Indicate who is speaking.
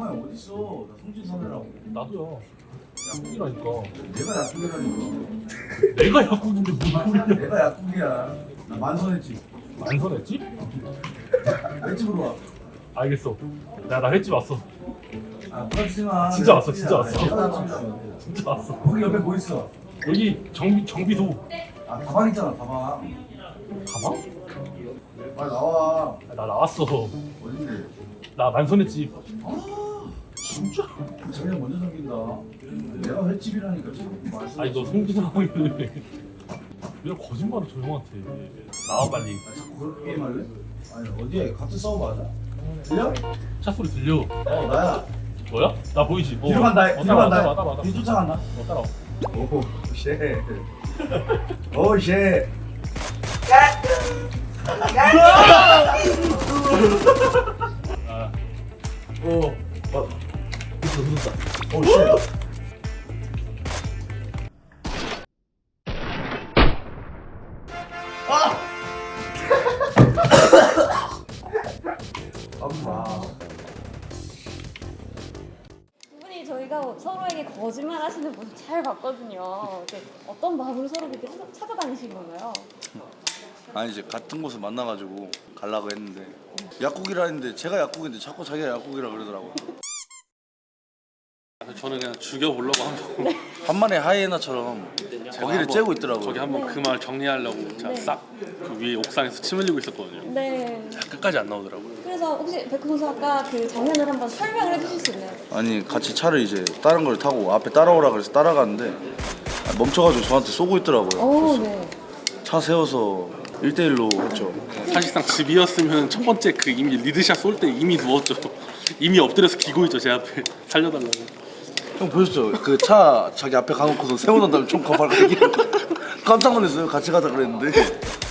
Speaker 1: 가만히 어딨어? 나 성진 선배라고.
Speaker 2: 나도요. 약국이라니까.
Speaker 1: 내가 약국이라니까.
Speaker 2: 내가 약국인데 무슨 소리야?
Speaker 1: 내가 약국이야. 나 만선했지.
Speaker 2: 만선했지?
Speaker 1: 횟집으로 와.
Speaker 2: 알겠어. 나 횟집 왔어.
Speaker 1: 아, 부탁하지 마.
Speaker 2: 진짜 왔어, 진짜 왔어.
Speaker 1: 내가 약국이야.
Speaker 2: 진짜 왔어.
Speaker 1: 거기 옆에 뭐 있어?
Speaker 2: 여기 정비소.
Speaker 1: 아, 다방 있잖아, 다방.
Speaker 2: 가방?
Speaker 1: 빨리 나와.
Speaker 2: 나 나왔어.
Speaker 1: 어딘데?
Speaker 2: 나 만선했집.
Speaker 1: 아,
Speaker 2: 진짜?
Speaker 1: 자기가 먼저 생긴다. 내가 횟집이라니까 지금.
Speaker 2: 아니 너 송기사하고 있는데 왜 거짓말을 저 형한테. 나와 빨리.
Speaker 1: 아, 자꾸 그렇게 게임할래? 아니, 어디야? 같은 싸움 맞아? 들려?
Speaker 2: 차 소리 들려.
Speaker 1: 나야.
Speaker 2: 뭐야? 나 보이지?
Speaker 1: 뒤로 간다. 뒤로
Speaker 2: 따라와,
Speaker 1: 간다.
Speaker 2: 따라와.
Speaker 1: 뒤 쫓아간다.
Speaker 2: 따라와.
Speaker 1: 오, 쉣. 오, 쉣.
Speaker 2: 아,
Speaker 1: 오,
Speaker 2: 흐른다.
Speaker 1: 오, 쉣. 엄마.
Speaker 3: 두 분이 저희가 서로에게 거짓말 하시는 모습 잘 봤거든요. 근데 어떤 마음으로 서로 그렇게 찾아다니신 건가요?
Speaker 4: 아니 이제 같은 곳을 만나가지고 가려고 했는데 약국이라 했는데 제가 약국인데 자꾸 자기가 약국이라 그러더라고요.
Speaker 5: 저는 그냥 죽여보려고 한번
Speaker 4: 한만의 하이에나처럼 거기를 째고 있더라고요.
Speaker 5: 저기 한번 그 말 정리하려고 제가
Speaker 3: 네.
Speaker 5: 싹 그 위에 옥상에서 침 흘리고 있었거든요.
Speaker 3: 네.
Speaker 5: 끝까지 안 나오더라고요.
Speaker 3: 그래서 혹시 백호 선수 아까 그 장면을 한번 설명을 해주실 수 있나요?
Speaker 4: 아니 같이 차를 이제 다른 걸 타고 앞에 따라오라 그래서 따라가는데 멈춰가지고 저한테 쏘고 있더라고요.
Speaker 3: 오,
Speaker 4: 그래서
Speaker 3: 네.
Speaker 4: 차 세워서 1대1로 했죠.
Speaker 5: 사실상 집이었으면 첫 번째 그 이미 리드샷 쏠 때 이미 누웠죠. 이미 엎드려서 기고 있죠 제 앞에 살려달라고.
Speaker 4: 형 보셨죠? 그 차 자기 앞에 가놓고서 세워놓은 다음에 총 거발 깜짝 놀랐어요. 같이 가자 그랬는데